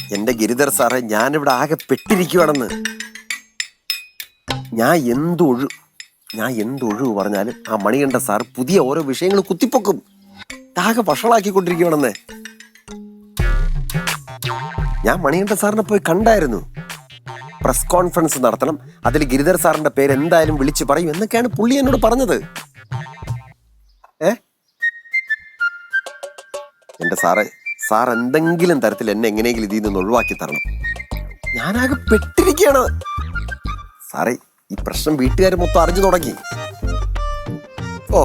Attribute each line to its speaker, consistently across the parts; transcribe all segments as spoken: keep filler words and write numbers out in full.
Speaker 1: എന്റെ ഗിരിധർ സാറേ, ഞാനിവിടെ ആകെ പെട്ടിരിക്കുവാണെന്ന്. ഞാൻ എന്തൊഴു ഞാൻ എന്തൊഴിവ് പറഞ്ഞാലും ആ മണികണ്ഠ സാർ പുതിയ ഓരോ വിഷയങ്ങൾ കുത്തിപ്പൊക്കും. ആകെ വഷളാക്കിക്കൊണ്ടിരിക്കുവാണെന്നേ. ഞാൻ മണികണ്ഠ സാറിനെ പോയി കണ്ടായിരുന്നു. പ്രസ് കോൺഫറൻസ് നടത്തണം, അതിൽ ഗിരിധർ സാറിന്റെ പേര് എന്തായാലും വിളിച്ചു പറയും എന്നൊക്കെയാണ് പുള്ളി എന്നോട് പറഞ്ഞത്. ഏ എന്റെ സാറേ, സാർ എന്തെങ്കിലും തരത്തിൽ എന്നെ എങ്ങനെയെങ്കിലും ഇതിൽ നിന്ന് ഒഴിവാക്കി തരണം. ഞാനാകെ പെട്ടിരിക്കുകയാണ് സാറേ. ഈ പ്രശ്നം വീട്ടുകാർ മൊത്തം അറിഞ്ഞു തുടങ്ങി. ഓ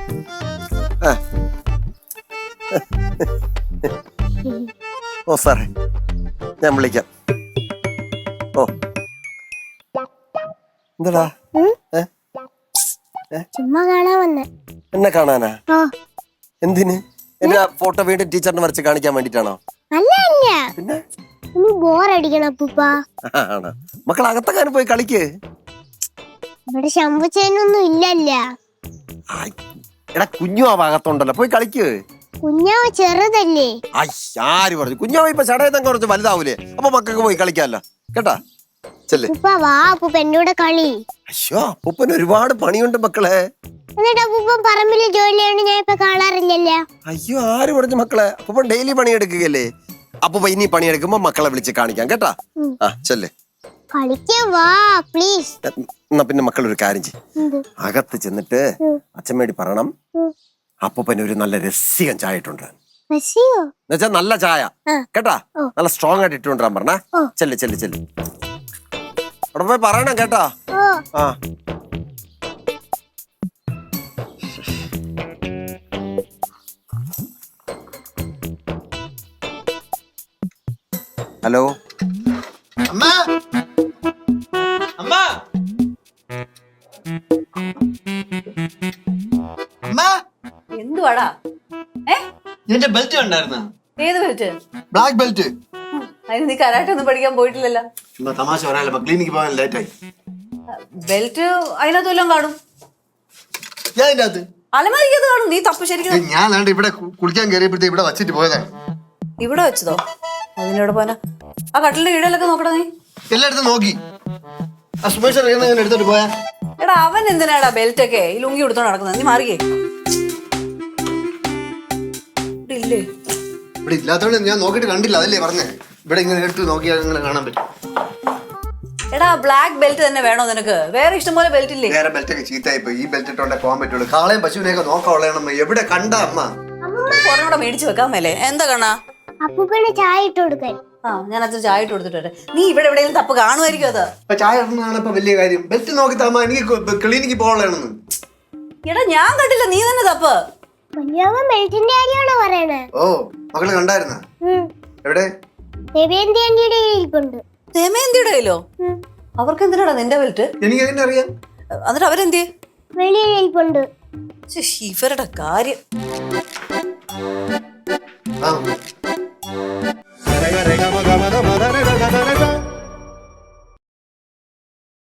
Speaker 1: ഓ സാറേ, ഞാൻ വിളിക്കാം. ഓ എന്താടാ?
Speaker 2: ചുമ്മാ കാണാൻ വന്നേ.
Speaker 1: എന്നെ കാണാനാ? എന്തിന്? എന്റെ ഫോട്ടോ വീണ്ടും ടീച്ചറിന് വരച്ച് കാണിക്കാൻ വേണ്ടിട്ടാണോ? പിന്നെ
Speaker 2: ബോറടിക്കണം അപ്പൂപ്പാ.
Speaker 1: മക്കൾ അകത്തക്കാനും പോയി കളിക്ക്.
Speaker 2: ഇവിടെ ശമ്പുച്ചേനൊന്നും ഇല്ലല്ല.
Speaker 1: എടാ, കുഞ്ഞു ആ ഭാഗത്തുണ്ടല്ലോ, പോയി കളിക്ക്.
Speaker 2: കുഞ്ഞാവ് ചെറുതല്ലേ.
Speaker 1: ആര് പറഞ്ഞു? കുഞ്ഞാവ് ഇപ്പൊ ചടയത്തങ്ങ് കുറച്ച് വലുതാവൂലേ, അപ്പൊ മക്കൾക്ക് പോയി കളിക്കാല്ലോ. കേട്ടാ, ചെല്ലേ.
Speaker 2: വാ അപ്പൂപ്പ എന്റെ കൂടെ കളി.
Speaker 1: അയ്യോ, അപ്പൂപ്പന് ഒരുപാട് പണിയുണ്ട് മക്കളെ.
Speaker 2: എന്നിട്ട് അപ്പൂപ്പൻ പറമ്പില് ജോലിയാണ് ഞാൻ ഇപ്പൊ കാണാറില്ലല്ലോ.
Speaker 1: അയ്യോ, ആര് പറഞ്ഞു മക്കളെ? അപ്പൂപ്പൻ ഡെയിലി പണിയെടുക്കുകയല്ലേ. അപ്പൂപ്പ ഇനി പണിയെടുക്കുമ്പോ മക്കളെ വിളിച്ച് കാണിക്കാം. കേട്ടാ, ആ ചെല്ലേ. എന്നാ പിന്നെ മക്കൾ ഒരു കാര്യം ചെയ്യും, അകത്ത് ചെന്നിട്ട് അച്ഛമ്മേടി പറയണം അപ്പൂപ്പന് ഒരു നല്ല രസികൻ ചായ ഇട്ടുണ്ട്. എന്നുവെച്ചാ നല്ല ചായ കേട്ടാ, നല്ല സ്ട്രോങ് ആയിട്ട് ഇട്ടുകൊണ്ടിരാൻ പറഞ്ഞ. ചെല്ല് ചെല്ല് ചെല്ല്, അവിടെ പോയി പറയണം കേട്ടാ. ആ ഹലോ
Speaker 3: അമ്മ, അമ്മ, അമ്മ.
Speaker 4: എന്തുവാടാ?
Speaker 3: എന്റെ ബെൽറ്റ് ഉണ്ടായിരുന്ന?
Speaker 4: ഏത് ബെൽറ്റ്?
Speaker 3: Black belt.
Speaker 4: അതിന് നീ കരാട്ടെ ഒന്നും പഠിക്കാൻ പോയിട്ടില്ലല്ലോ.
Speaker 3: ചുമ്മാ തമാശ പറയാനല്ലോ, ക്ലിനിക്ക് പോകാൻ ലേറ്റ് ആയി.
Speaker 4: ബെൽറ്റ് അതിനകത്ത് വല്ലതും കാണും.
Speaker 3: ഞാൻ ഇതിന്റെ അകത്ത്
Speaker 4: അലമാരിക്കത് കാണും. നീ തപ്പ് ശരിക്കും.
Speaker 3: ഞാൻ ഇവിടെ കുളിക്കാൻ കയറിയപ്പോഴത്തെ ഇവിടെ വച്ചിട്ട് പോയതാണ്.
Speaker 4: ഇവിടെ വെച്ചതോ? അതിനോട് പോന ആ കട്ടിലിന്റെ കീഴിലൊക്കെ നോക്കടാ. നീ
Speaker 3: എല്ലായിടത്തും നോക്കി. ആ സുമേഷ് എടുത്തോട്ട് പോയാ.
Speaker 4: എടാ, അവൻ എന്തിനാടാ ബെൽറ്റ് ഒക്കെ ഈ ലുങ്കി കൊടുത്തോണ്ട് നടക്കുന്നത്? നീ മാറിയേ. ഇല്ലേ
Speaker 3: ഇവിടെ ഇല്ലാത്തോണ്ട് ഞാൻ നോക്കിട്ട് കണ്ടില്ല, അതല്ലേ പറഞ്ഞേ. ഇവിടെ ഇങ്ങനെ എടുത്ത് നോക്കിയാൽ ഇങ്ങനെ കാണാൻ പറ്റും.
Speaker 4: എടാ, ബ്ലാക്ക് ബെൽറ്റ് തന്നെ വേണോ നിനക്ക്? വേറെ ഇഷ്ടംപോലെ ബെൽറ്റ് ഇല്ലേ?
Speaker 3: വേറെ ബെൽറ്റ് ഒക്കെ ചീത്തായി പോയി. ഈ ബെൽറ്റ് ഇട്ടോണ്ടേ പോകാൻ പറ്റുള്ളൂ. കാളയും പശുവിനെയൊക്കെ നോക്കാനുള്ളതാണ്. എവിടെ കണ്ട അമ്മ
Speaker 4: കൊറോടെ മേടിച്ചു വെക്കാൻ മേലെ. എന്താ കണ്ണാ?
Speaker 2: അപ്പൂപ്പന് ചായ ഇട്ട് കൊടുക്കാൻ.
Speaker 4: ആ, ഞാൻ അച്ഛൻ ചായ ഇട്ട് കൊടുത്തിട്ട്. നീ ഇവിടെ എവിടെയെങ്കിലും തപ്പ് കാണുമായിരിക്കും. അത്
Speaker 3: ഇപ്പൊ ചായ ഇടുന്നതാണ് ഇപ്പൊ വലിയ കാര്യം. ബെൽറ്റ് നോക്കി താമ, എനിക്ക് ക്ലിനിക്ക് പോകാനുള്ളതാണെന്ന്.
Speaker 4: എടാ, ഞാൻ കണ്ടില്ല, നീ തന്നെ തപ്പ്.
Speaker 2: ബെൽറ്റിന്റെ കാര്യമാണോ പറയണേ?
Speaker 3: ഓ, മകള് കണ്ടായിരുന്ന? എവിടെ?
Speaker 2: ദമയന്തിയുടെ ഇരിപ്പുണ്ട്.
Speaker 4: ദമയന്തിയുടെ കയ്യിലോ? അവർക്ക് എന്തിനാടാ നിന്റെ ബെൽറ്റ്?
Speaker 3: എനിക്ക് എങ്ങനെ അറിയാം?
Speaker 4: എന്നിട്ട് അവരെന്തിയെ?
Speaker 2: വെളിയിൽ ഇരിപ്പുണ്ട്.
Speaker 4: ഇവരുടെ കാര്യം.